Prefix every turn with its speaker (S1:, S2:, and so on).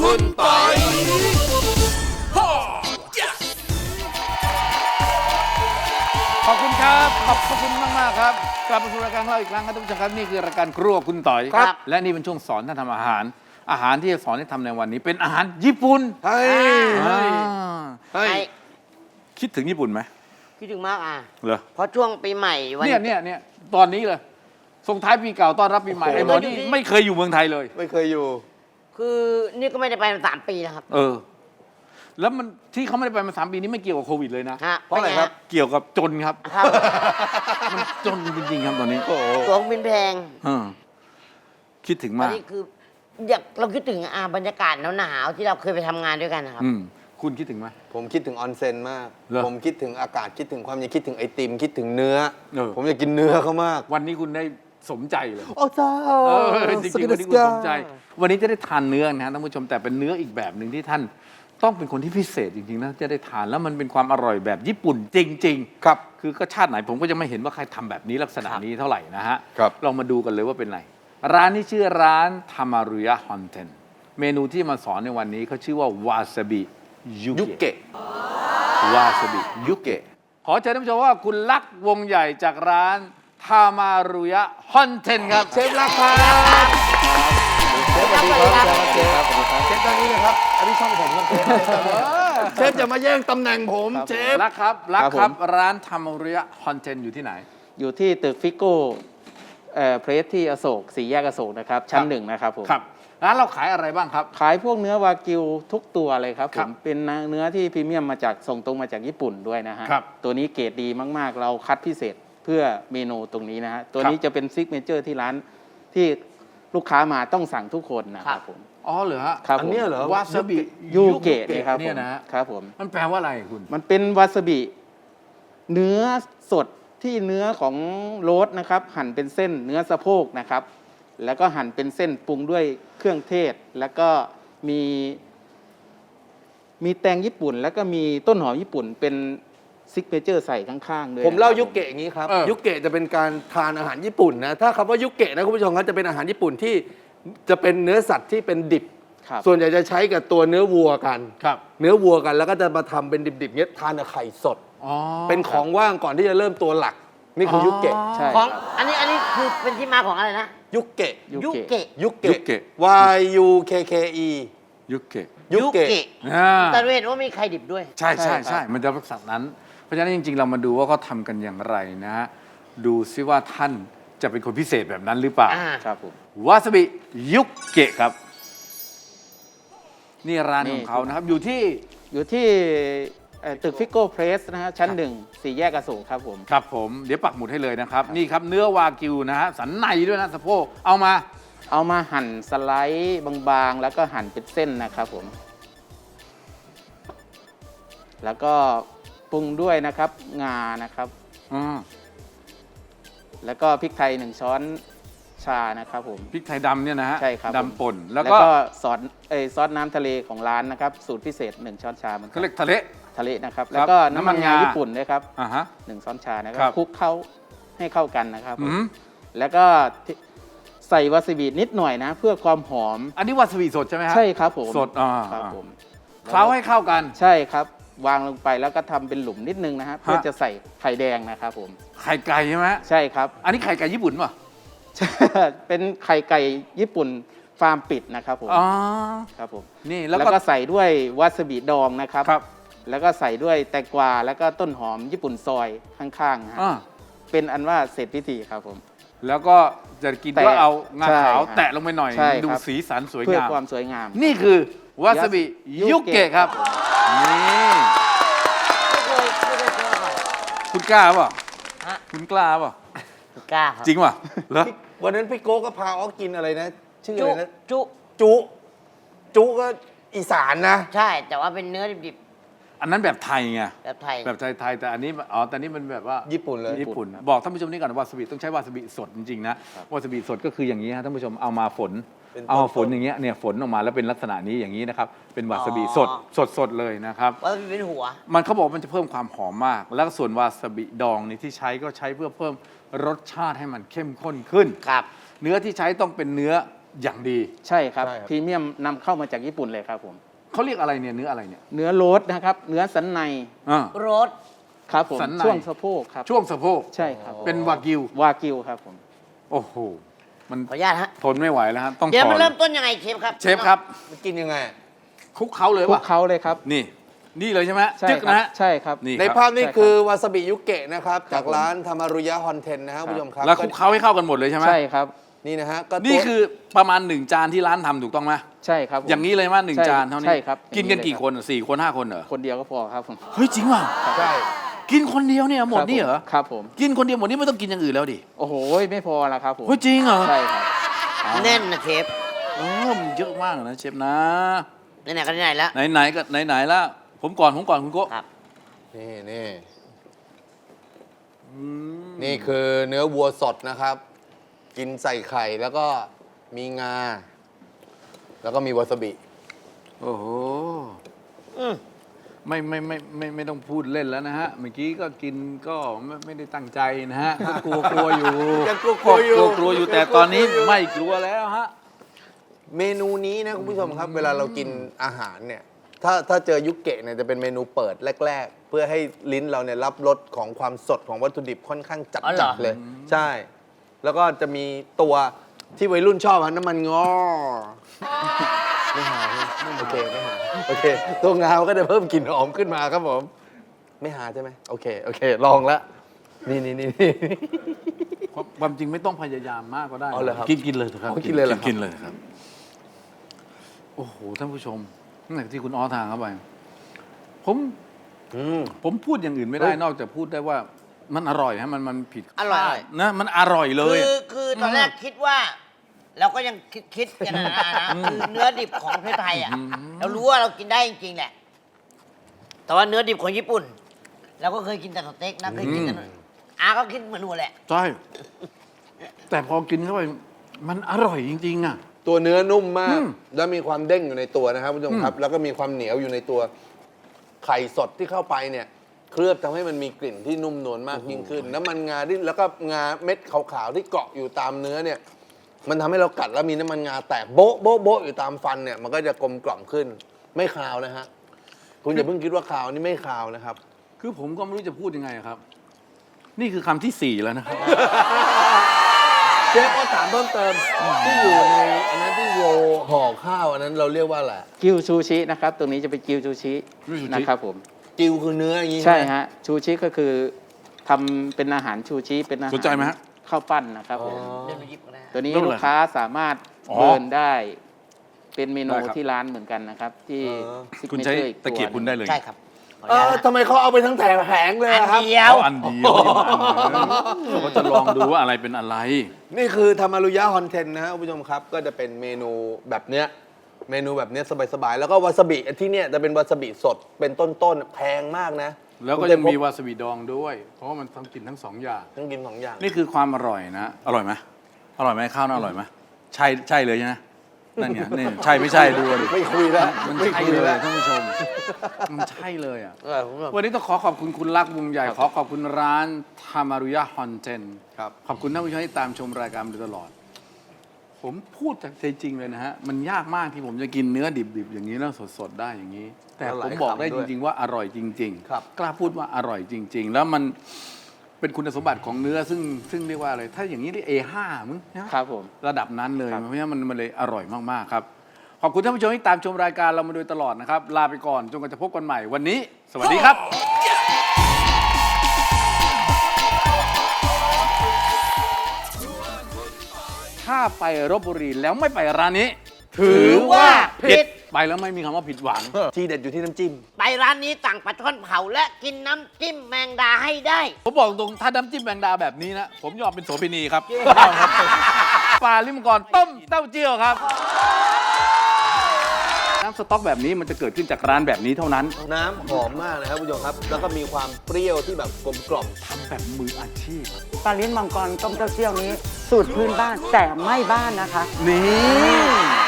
S1: คุณปอย
S2: ขอบคุณครับขอบคุณมากๆครับกลับมาสู่รายการของเราอีกครั้งครับทุกท่านครับนี่คือรายการครัวคุณต่อย
S1: ครับ
S2: และนี่เป็นช่วงสอนท่านทำอาหาร อาหารที่จะสอนให้ทำในวันนี้เป็นอาหารญี่ปุ่น
S1: เฮ้ย
S2: อ่า
S1: เฮ้ย
S2: คิดถึงญี่ปุ่นไหม
S3: คิดถึงมาก
S2: เหรอ
S3: เพราะช่วงปีใหม่วัน
S2: เนี่ยตอนนี้เลยส่งท้ายปีเก่าต้อนรับปีใหม่
S1: โอ้โห
S2: ไอ้หมอนี่ไม่เคยอยู่เมืองไทยเลย
S1: ไม่เคยอยู่
S3: คือนี่ก็ไม่ได้ไปมา3 ปีแล้วครับ
S2: แล้วมันที่เขาไม่ได้ไปมา3 ปีนี้ไม่เกี่ยวกับโควิดเลยนะ
S3: ฮะ
S1: เพราะอะไรครับ
S2: เกี่ยวกับจนครับ
S3: ครับ
S2: มันจนจริงๆครับตอนนี้
S1: โอ้โห
S3: ตั๋วเครื่องบินแพง
S2: เออคิดถึง
S3: ตอน
S2: มาก
S3: นี้คืออยากเราคิดถึงบรรยากาศหนาวๆที่เราเคยไปทำงานด้วยกันนะครับ
S2: คุณคิดถึงไหม
S1: ผมคิดถึงออนเซ็นมาก
S2: เหรอ
S1: ผมคิดถึงอากาศคิดถึงความเย็นคิดถึงไอติมคิดถึงเนื้อ ผมอยากกินเนื้อเขามาก
S2: วันนี้คุณได้สมใจเลย
S1: โอ้จ้า
S2: จริงๆวันนี้คุณสมใจ วันนี้จะได้ทานเนื้อนะท่านผู้ชมแต่เป็นเนื้ออีกแบบหนึ่งที่ท่านต้องเป็นคนที่พิเศษจริงๆนะจะได้ทานแล้วมันเป็นความอร่อยแบบญี่ปุ่นจริงๆ
S1: ครับ
S2: คือก็ชาติไหนผมก็จะไม่เห็นว่าใครทำแบบนี้ลักษณะนี้เท่าไหร่นะฮะ
S1: ครับ
S2: ลองมาดูกันเลยว่าเป็นไรร้านนี้ชื่อร้านทามารุยะฮอนเทนเมนูที่มาสอนในวันนี้เขาชื่อว่าวาซาบิยุ
S1: ยุ
S2: เกะ
S1: เกะ
S2: วาซาบิยุเกะขอเชิญท่านผู้ชมว่าคุณลักษณ์วงใหญ่จากร้านทามารุยะฮอนเทนครับ
S1: เชฟรักครับเชฟสวัสดีครับเชฟเชฟตอนนี้นะครับอันนี้ช่องผมครับเชฟเชฟอย่ามาแย่งตำแหน่งผมเชฟ
S2: ลักษณ์ครับลักษณ์ค
S4: ครั
S2: รับบ
S4: ผม
S2: ร้านทามารุยะฮอนเทนอยู่ที่ไหน
S4: อยู่ที่ตึกฟิโก้เพรสที่อโศก4 แยกอโศกนะครับ ชั้น
S2: ครับ
S4: 1 นะครับผม
S2: ครับร้านเราขายอะไรบ้างครับ
S4: ขายพวกเนื้อวากิวทุกตัวเลยครับ
S2: ค
S4: ผ
S2: รับ
S4: มเป็นเนื้อที่พรีเมียมมาจากส่งตรงมาจากญี่ปุ่นด้วยนะฮะ
S2: ครับ
S4: ตัวนี้เกรดดีมากๆ เราคัดพิเศษเพื่อเมนูตรงนี้นะฮะ ตัวนี้
S2: ครับ
S4: จะเป็นซิกเนเจอร์ที่ร้านที่ลูกค้ามาต้องสั่งทุกคนนะครับผม
S2: อ๋อเหรอฮะ
S4: ครับ
S1: อัน
S4: ผม
S1: เนี้ยเหรอ
S2: วาซาบิ
S4: ยูเกะนี่ครับ
S2: เนี่ย
S4: ผม
S2: นะฮะ
S4: ครับผม
S2: มันแปลว่าอะไรคุณ
S4: มันเป็นวาซาบิเนื้อสดที่เนื้อของโรสนะครับ หั่นเป็นเส้นเนื้อสะโพกนะครับ แล้วก็หั่นเป็นเส้นปรุงด้วยเครื่องเทศ แล้วก็มีแตงญี่ปุ่น แล้วก็มีต้นหอมญี่ปุ่นเป็นซิกเนเจอร์ใส่ข้างๆด้วย
S1: ผมเล่า
S4: นะครับ
S1: ยุเกะอย่างนี้ครับ
S2: เออ
S1: ยุเกะจะเป็นการทานอาหารญี่ปุ่นนะถ้าคำว่ายุเกะนะคุณผู้ชมครับจะเป็นอาหารญี่ปุ่นที่จะเป็นเนื้อสัตว์ที่เป็นดิบ
S4: ครับ
S1: ส่วนใหญ่จะใช้กับตัวเนื้อวัวกัน
S2: ครับ
S1: เนื้อวัวกันแล้วก็จะมาทำเป็นดิบๆเนี้ยทานกับไข่สด
S2: อ๋อ
S1: เป็นของว่างก่อนที่จะเริ่มตัวหลัก นี่คือยุเกะ
S4: ใช่
S3: ของ
S4: ครับ
S3: อันนี้คือเป็นที่มาของอะไรนะ
S1: ยุเกะ
S4: ยุเกะ
S1: ยุเกะ
S2: ยุเกะ
S1: Y U K K E
S2: ยุเกะ
S1: ยุเกะ
S2: อ่า
S3: แต่เราเห็นว่ามีไข่ดิบด้วย
S2: ใช่ใช่
S4: ใช่ครับ
S2: ใช่มันจะลักษณะนั้น เพราะฉะนั้นจริงๆ เรามาดูว่าเขาทำกันอย่างไรนะฮะดูซิว่าท่านจะเป็นคนพิเศษแบบนั้นหรือเปล่า
S3: อ่า
S4: ครับผม
S2: วาซาบิยุเกะครับ นี่ร้าน
S4: นี่
S2: ของเขานะครับ อยู่ที่
S4: อยู่ที่ตึกฟิโก้เพรสนะฮะชั้น 1 4 แยกอโศกครับผม
S2: ครับผมเดี๋ยวปักหมุดให้เลยนะครับ นี่ครับเนื้อวากิวนะฮะสันในด้วยนะสะโพกเอามา
S4: เอามาหั่นสไลด์บางๆ แล้วก็หั่นเป็นเส้นนะครับผม แล้วก็ปรุงด้วยนะครับงานะครับ
S2: อืม
S4: แล้วก็พริกไทย1 ช้อนชานะครับผม
S2: พริกไทยดำเนี่ยนะฮะ
S4: ใช่ครับผม
S2: ดำป่นแล้ว
S4: แล้ว
S2: ก็
S4: ก็ซอสน้ำทะเลของร้านนะครับ สูตรพิเศษ 1 ช้อนชาเหมือนกั
S2: เขา
S4: น
S2: เรียกทะเล
S4: ทะเลนะครับ แล้วก็น้ำมันงาญี่ปุ่นด้วยครับ
S2: อ่าฮะ
S4: 1 ช้อนชานะค
S2: ครั
S4: รับ บคลุกเข้าให้เข้ากันนะครับผม
S2: อืม
S4: แล้วก็ใส่วาซาบินิดหน่อยนะ เพื่อความหอม
S2: อันนี้วาซาบิสดใช่ไหมฮะ
S4: ใช่ครับผม
S2: สดอ่า
S4: ครับผม
S2: เคล้าให้เข้ากัน
S4: ใช่ครับ วางลงไปแล้วก็ทำเป็นหลุมนิดนึงนะฮะเพื่อจะใส่ไข่แดงนะครับผม
S2: ไข่ไก่ใช่ไหม
S4: ใช่ครับ
S2: อันนี้ไข่ไก่ญี่ปุ่นป่ะ
S4: เป็นไข่ไก่ญี่ปุ่นฟาร์มปิดนะครับผม
S2: อ๋อ
S4: ครับผม
S2: นี่
S4: แล้
S2: แล้ว วก็
S4: ก็ใส่ด้วยวาซาบิดองนะครับ
S2: ครับ
S4: แล้วก็ใส่ด้วยแตงกวาแล้วก็ต้นหอมญี่ปุ่นซอยข้างๆนะฮะ
S2: อ่า
S4: เป็นอันว่าเสร็จพิธีครับผม
S2: แล้วก็จะกิน
S4: แตะ
S2: ก็เอางาขาว
S4: ใช่
S2: แตะลงไปหน่อย
S4: ใช่ครับ
S2: ดูสีสันสวย
S4: เพื่อง
S2: าม
S4: ความสวยงาม
S2: นี่คือวาซาบิยุเกะครับ นี่
S3: ไม่เคยเจอก่อน
S2: คุณกล้าเปล่ะ
S3: ฮะ
S2: คุณกล้าเปล่ะ
S3: กล้าครับ
S2: จริงป่ะเหรอ
S1: วันนั้นพี่โก้ก็พาออกกินอะไรนะ ชื่ออะ
S3: จุ
S1: ไรนะ
S3: จุ
S1: จุก็อีสานนะ
S3: ใช่ แต่ว่าเป็นเนื้อดิบ
S2: อันนั้นแบบไทยไง
S3: ๆแบบไทย
S2: แบบไทยๆแต่อันนี้อ๋อแต่นี่มันแบบว่า
S1: ญี่ปุ่นเลย
S2: ญี่ปุ่นบอกท่านผู้ชมนี่ก่อนวาซาบิต้องใช้วาซาบิสดจริงๆนะวาซาบิสดก็คืออย่างนี้ฮะท่านผู้ชมเอามาฝน
S1: เป็น
S2: เอามาฝน
S1: ต้นๆ
S2: อย่างเงี้ยเนี่ยฝนออกมาแล้วเป็นลักษณะนี้อย่างนี้นะครับเป็นวาซาบิ
S3: อ๋อ
S2: สดเลยนะครับ
S3: ว่าเป็นหัว
S2: มันเขาบอกมันจะเพิ่มความหอมมาก แล้วส่วนวาซาบิดองนี่ที่ใช้ก็ใช้เพื่อเพิ่มรสชาติให้มันเข้มข้นขึ้น
S3: ครับ
S2: เนื้อที่ใช้ต้องเป็นเนื้ออย่างดี
S4: ใช่ครับ
S1: ใช่ครับ
S4: พรีเมียมนำเข้ามาจากญี่ปุ่นเลยครับผม
S2: เขาเรียกอะไรเนี่ยเนื้ออะไรเนี่ย
S4: เนื้อโรสนะครับ เนื้อสันใน
S2: อ่า
S3: รถ
S4: ครับผม
S2: สันใน
S4: ช่วงสะโพกครับ
S2: ช่วงสะโพก
S4: ใช่ครับ
S2: เป็นวากิว
S4: วากิวครับผม
S2: โอ้โหมัน
S3: ขออนุญาตฮะ
S2: ทนไม่ไหวแล้วฮะต้อง
S3: เดี๋ยว
S2: ขอ
S3: มันเริ่มต้นยังไงเชฟครับ
S2: เชฟครับ
S1: มันกินยังไง
S2: คลุกเขาเลย
S4: คลุ
S2: วะ
S4: กเขาเลยครับ
S2: นี่เลยใช่ไหม
S4: ใช่
S2: จึ๊ก
S4: ครั
S2: นะฮะ
S4: ใช่ครับ
S2: นี่
S1: ใน
S2: ครับ
S1: ภาพนี้
S4: ใช่ครับ
S1: คือวาซาบิยุเกะนะครับ จาก
S4: ผม
S1: ร้านธรรมารุยะฮอนเทนนะครับคุณผู้ชมครับ
S2: แล้วคลุกเขาให้เข้ากันหมดเลยใช่ไหม
S4: ใช่ครับ
S1: นี่นะฮะก็ตัว
S2: นี่คือประมาณ1 จานที่ร้านทำถูกต้องไหม
S4: ใช่ครับผม
S2: อย่างนี้เลยมั้ยหนึ่ง
S4: ใช่
S2: จานเท่านี้
S4: ใช่ครับ
S2: กินกัน
S4: อย่างนี้
S2: กี่
S4: เลย
S2: คนอ่ะ4 คน 5 คนเหรอ
S4: คนเดียวก็พอครับผม
S2: เฮ้ยจริงว่ะ
S1: ใช่
S2: กินคนเดียวเนี่ยหมดนี่เหรอ
S4: ครับผม
S2: กินคนเดียวหมดนี่ไม่ต้องกินอย่างอื่นแล้วดิ
S4: โอ้โหไม่พอละครับผม
S2: เฮ้ยจริงเหรอ
S4: ใช่ครับ
S3: แน่นนะเชฟ
S2: มันเยอะมากนะเชฟนะ
S3: ไหนๆก็ไหนๆแล้ว
S2: ไหนๆก็ไหนๆแล้วผมก่อนคุณโก้
S3: ครับ
S1: นี่นี่คือเนื้อวัวสดนะครับ กินใส่ไข่แล้วก็มีงา แล้วก็มีวาซาบิ
S2: โอ้โห
S3: อืม
S2: ไม่ต้องพูดเล่นแล้วนะฮะ เมื่อกี้ก็กินก็ไม่ได้ตั้งใจนะฮะก็กลัวอยู่
S1: ยังกลัวๆอยู่
S2: กลัวอยู่แต่ตอนนี้ไม่กลัวแล้วฮะ
S1: เมนูนี้นะคุณผู้ชมครับ เวลาเรากินอาหารเนี่ย ถ้าเจอยุเกะเนี่ยจะเป็นเมนูเปิดแรก ๆ เพื่อให้ลิ้นเราเนี่ยรับรสของความสดของวัตถุดิบค่อนข้างจัด
S3: อ๋อเหรอ
S1: เลย ใช่ แล้วก็จะมีตัวที่วัยรุ่นชอบฮะน้ำมันงอไม่หาโอเคไม่หาโอเค ตัวงามันก็จะเพิ่มกลิ่นหอมขึ้นมาครับผม ไม่หาใช่ไหมโอเค ลองแล้วนี่
S2: ความจริงไม่ต้องพยายามมากก็ได้
S1: อ๋อเหรอครับ
S2: กินเลยเถอะครับ
S1: อ๋อกินเลยเหรอครับ
S2: กินเลยครับ โอ้โหท่านผู้ชมตั้งแต่ที่คุณอ้อทางเข้าไปผมพูดอย่างอื่นไม่ได้
S1: เฮ้ย
S2: นอกจากพูดได้ว่ามันอร่อยฮะมันผิด
S3: อร่อย
S2: นะมันอร่อยเลย
S3: คือตอนแรกคิดว่า เราก็ยังคิดกันนะคือเนื้อดิบของประเทศไทยอ่ะ เรารู้ว่าเรากินได้จริงๆแหละ แต่ว่าเนื้อดิบของญี่ปุ่น เราก็เคยกินแต่สเต็กนะเคยกินกันอาก็คิดเหมือนหนูแหละ
S2: ใช่ แต่พอกินเข้าไปมันอร่อยจริง ๆ อ่ะ
S1: ตัวเนื้อนุ่มมาก
S2: อืม
S1: แล้วมีความเด้งอยู่ในตัวนะครับคุณผู้ชมครับ แล้วก็มีความเหนียวอยู่ในตัวไข่สดที่เข้าไปเนี่ย เคลือบทำให้มันมีกลิ่นที่นุ่มนวลมากยิ่งขึ้น น้ำมันงาที่แล้วก็งาเม็ดขาวๆที่เกาะอยู่ตามเนื้อเนี่ย มันทำให้เรากัดแล้วมีน้ำมันงาแตกโบ๊ะโบ๊ะโบ๊ะอยู่ตามฟันเนี่ย มันก็จะกลมกล่อมขึ้น ไม่คาวนะฮะคุณอย่าเพิ่งคิดว่าคาวนี่ไม่คาวนะครับ
S2: คือผมก็ไม่รู้จะพูดยังไงครับ นี่คือคำที่ 4 แล้วนะครับ
S1: เชฟก็ถามเพิ่มเติมที่อยู่ในอันนั้นที่โรลห่อข้าวอันนั้นเราเรียกว่าอะไร
S4: กิวซูชินะครับ ตรงนี้จะเป็นกิวซูชิ
S2: กิวซูชิ
S4: นะครับผม
S1: กิวคือเนื้ออย่างนี้
S4: ใช่
S1: ไหม
S4: ฮะชูชิก็คือทำเป็นอาหารชูชิเป็นอาหาร
S2: สนใจไหมฮะ
S4: ข้าวปั้นนะครับผม
S3: เดินไปหยิบก็ได้
S4: ตัวนี้
S2: ไม่เป็นไร
S4: ลูกค้าสามารถ
S2: อ๋อ
S4: เบิร์นได้ เป็นเมนู
S2: ได้ครับ
S4: ที่ร้านเหมือนกันนะครับ ที่
S2: คุณใช้
S4: signature อี
S2: ตะเกียบคุณได้เลย
S3: ใช่ครับขออนุญาตนะ
S1: ทำไมเขาเอาไปทั้งแผงเลย
S3: อัน
S1: อะครับ
S3: เดียว
S2: เอาอันเดียวเขาก็จะลองดูว่าอะไรเป็นอะไร
S1: นี่คือธรรมารุยะฮอนเทนนะฮะคุณผู้ชมครับ ก็จะเป็นเมนูแบบเนี้ยเมนูแบบเนี้ยสบายๆ แล้วก็วาซาบิที่เนี่ยจะเป็นวาซาบิสดเป็นต้นๆแพงมากนะ
S2: แล้วก็ยังมีวาซาบิดองด้วย เพราะว่ามันต้องกินทั้ง 2 อย่าง
S1: ต้องกินสองอย่าง
S2: นี่คือความอร่อยนะ อร่อยไหมอร่อยไหมข้าวน่าอร่อยไหมใช่เลยใช่ไหมนั่นไงนี่ใช่ไม่ใช่ดูดิ
S1: ไม่คุยแล้ว
S2: มัน
S1: ไม่
S2: ใช่
S1: คุย
S2: เลย
S1: แล้ว
S2: ท่านผู้ชม มันใช่เลยอ่ะ
S1: ผมแบบ
S2: วันนี้ต้องขอบคุณคุณลักษณ์วงใหญ่ ขอขอบคุณร้านทามารุยะฮอนเจน
S1: ครับ
S2: ขอบคุณท่านผู้ชมที่ตามชมรายการมาโดยตลอด ผมพูดจากใจจริงเลยนะฮะ มันยากมากที่ผมจะกินเนื้อดิบๆ อย่างนี้แล้วสดๆ ได้อย่างนี้ แต่ผมบอกได้จริง ๆ ว่าอร่อยจริง
S1: ครับ
S2: กล้าพูดว่าอร่อยจริง ๆ แล้วมันเป็นคุณสมบัติของเนื้อซึ่งเรียกว่าอะไร ถ้าอย่างนี้เรียก A5 มึงนะ
S4: ครับผม
S2: ระดับนั้นเลย
S4: ครับ
S2: เพราะฉะนั้นมันเลยอร่อยมาก ๆ ครับ ขอบคุณท่านผู้ชมที่ตามชมรายการเรามาโดยตลอดนะครับ ลาไปก่อนจนกว่าจะพบกันใหม่วันนี้ สวัสดีครับ ถ้าไปลพบุรีแล้วไม่ไปร้านนี้
S3: ถือว่าผิด
S2: ไปแล้วไม่มีคำว่าผิดหวัง
S1: ทีเด็ดอยู่ที่น้ำจิ้ม
S3: ไปร้านนี้สั่งปลาช่อนเผาและกินน้ำจิ้มแมงดาให้ได้
S2: ผมบอกตรงถ้าน้ำจิ้มแมงดาแบบนี้นะ ผมยอมเป็นโสเภณีครับปลาลิมกรต้มเต้าเจี้ยวครับ น้ำสต๊อกแบบนี้มันจะเกิดขึ้นจากร้านแบบนี้เท่านั้น
S1: น้ำหอมมากนะครับคุณผู้ชมครับ แล้วก็มีความเปรี้ยวที่แบบกลมกล่อม
S2: ทำแบบมืออาชีพ
S5: ปลาลิ้นมังกรต้มเต้าเจี้ยวนี้ สูตรพื้นบ้านแต่ไม่บ้านนะคะ
S2: นี่